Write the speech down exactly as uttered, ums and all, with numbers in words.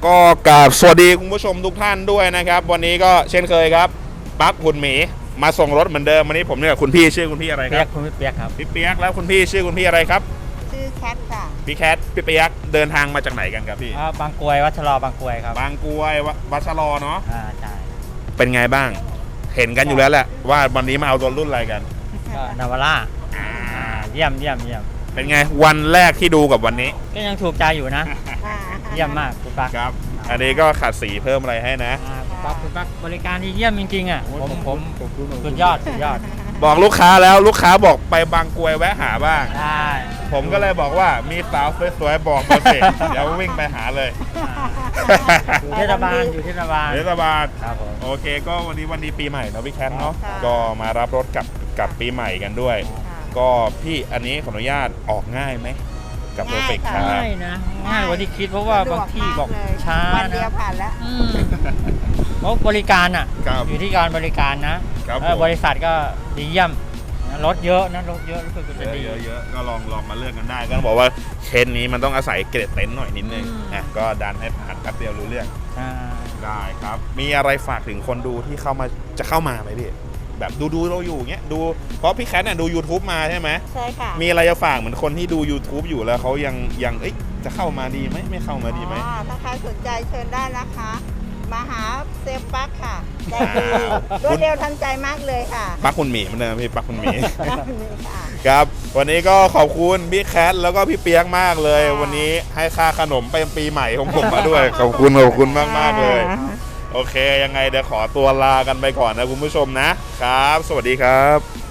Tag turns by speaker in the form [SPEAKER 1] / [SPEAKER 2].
[SPEAKER 1] ก็กราบสวัสดีคุณผู้ชมทุกท่านด้วยนะครับวันนี้ก็เช่นเคยครับปั๊บคุณหมีมาส่งรถเหมือนเดิมวันนี้ผมเนี่ยกับคุณพี่ชื่อคุณพี่อะไรค
[SPEAKER 2] เปีย
[SPEAKER 1] รั
[SPEAKER 2] ก
[SPEAKER 1] บ
[SPEAKER 2] คุณพี่เปียกครับ
[SPEAKER 1] พี่เปียกแล้วคุณพี่ชื่อคุณพี่อะไรครับ
[SPEAKER 3] ชื่อแคทค่ะ
[SPEAKER 1] พี่แคทพี่เปียกเดินทางมาจากไหนกันครับพี่
[SPEAKER 2] อ่าบางกรวยวัชรอบางกรวยครับ
[SPEAKER 1] บางกรวยวัชรอเนาะ
[SPEAKER 2] อ่าใช่
[SPEAKER 1] เป็นไงบ้าง เห็นกันอยู่แล้วแหละว่าวันนี้มาเอารถรุ่นอะไรกัน
[SPEAKER 2] ก็นาวาร่าอ่าเยี่ยมเยี่ยมเยี่ยม
[SPEAKER 1] เป็นไงวันแรกที่ดูกับวันนี้
[SPEAKER 2] ก็ยังถูกใจอยู่นะ เยี่ยมมากคุณปัก
[SPEAKER 1] ครับ อันนี้ก็ขัดสีเพิ่มอะไรให้นะ
[SPEAKER 2] อ่าคุณปักคุณปักบริการที่เยี่ยมจริงๆอ่ะผมผมสุดยอดสุดยอด
[SPEAKER 1] บอกลูกค้าแล้วลูกค้าบอกไปบางกรวยแวะหาบ้าง
[SPEAKER 2] ได้
[SPEAKER 1] ผมก็เลยบอกว่ามีสาวสวยๆบอกมาสิ เดี๋ยววิ่งไปหาเลย
[SPEAKER 2] อยู่เทศบาลอยู่เทศบาล
[SPEAKER 1] เทศบาล
[SPEAKER 2] ครับผม
[SPEAKER 1] โอเคก็วันนี้วันดีปีใหม่เนาะพี่แคทเนาะ
[SPEAKER 3] ค่ะ
[SPEAKER 1] ก็มารับรถกับกับปีใหม่กันด้วย
[SPEAKER 3] ค่ะ
[SPEAKER 1] ก็พี่อันนี้ขออนุญาตออกง่ายไหมกับเพอร์เฟกต์ค
[SPEAKER 3] ง่าย
[SPEAKER 1] รับ
[SPEAKER 3] ค่ะ
[SPEAKER 2] ง่ายนะง่ายกว่าที่คิดเพราะว่าบางที่บอก
[SPEAKER 3] สะดวมเลย
[SPEAKER 2] ช้า
[SPEAKER 3] วันเดียว
[SPEAKER 2] นะ
[SPEAKER 3] ผ่านแล้ว
[SPEAKER 2] อืมเพราะบริการอ่ะ
[SPEAKER 1] ครับ
[SPEAKER 2] อยู่ที่การบริการนะครับ เออ
[SPEAKER 1] ผม
[SPEAKER 2] บริษัทก็ดีเยี่ยมนะรถเยอะนะรถเยอะรู้สึกจะดี
[SPEAKER 1] เยอะๆเยอะๆก็ลองลองมาเลือกกันได้ก็ต้องบอกว่าเคนนี้มันต้องอาศัยเกรดเต็นท์หน่อยนิดนึง
[SPEAKER 2] อืม
[SPEAKER 1] นะก็ดันให้ผ่านแป๊บเดียวรู้เรื่อง
[SPEAKER 2] อ่า
[SPEAKER 1] ได้ครับ มีอะไรฝากถึงคนดูที่เข้ามาจะเข้ามาไหมพี่แบบดูดูเราอยู่เงี้ยดูเพราะพี่แคทเนี่ยดู YouTube มาใช่ไหม
[SPEAKER 3] ใช่ค่ะ
[SPEAKER 1] มีอะไรจะฝากเหมือนคนที่ดู YouTube อยู่แล้วเขายังยังเอ้ยจะเข้ามาดีไหมไม่เข้ามาดีไหม
[SPEAKER 3] อ๋อถ้าใครสนใจเชิญได้นะคะ มาหาเซฟปักค่ะใจดี
[SPEAKER 1] อ้าว
[SPEAKER 3] รวดเร็วทันใจมากเลยค่ะ
[SPEAKER 1] ปักคุณหมีเหมือนเดิมพี่ปักคุณหมี
[SPEAKER 3] นี่ค่ะ
[SPEAKER 1] ครับวันนี้ก็ขอบคุณพี่แคทแล้วก็พี่เปียกมากเลย
[SPEAKER 3] ค่ะ
[SPEAKER 1] วันนี้ให้ค่าขนมเป็นปีใหม่ของผมมาด้วย ขอบคุณขอบคุณมากมากๆเลย โอเคยังไงเดี๋ยวขอตัวลากันไปก่อนนะคุณผู้ชมนะครับ สวัสดีครับ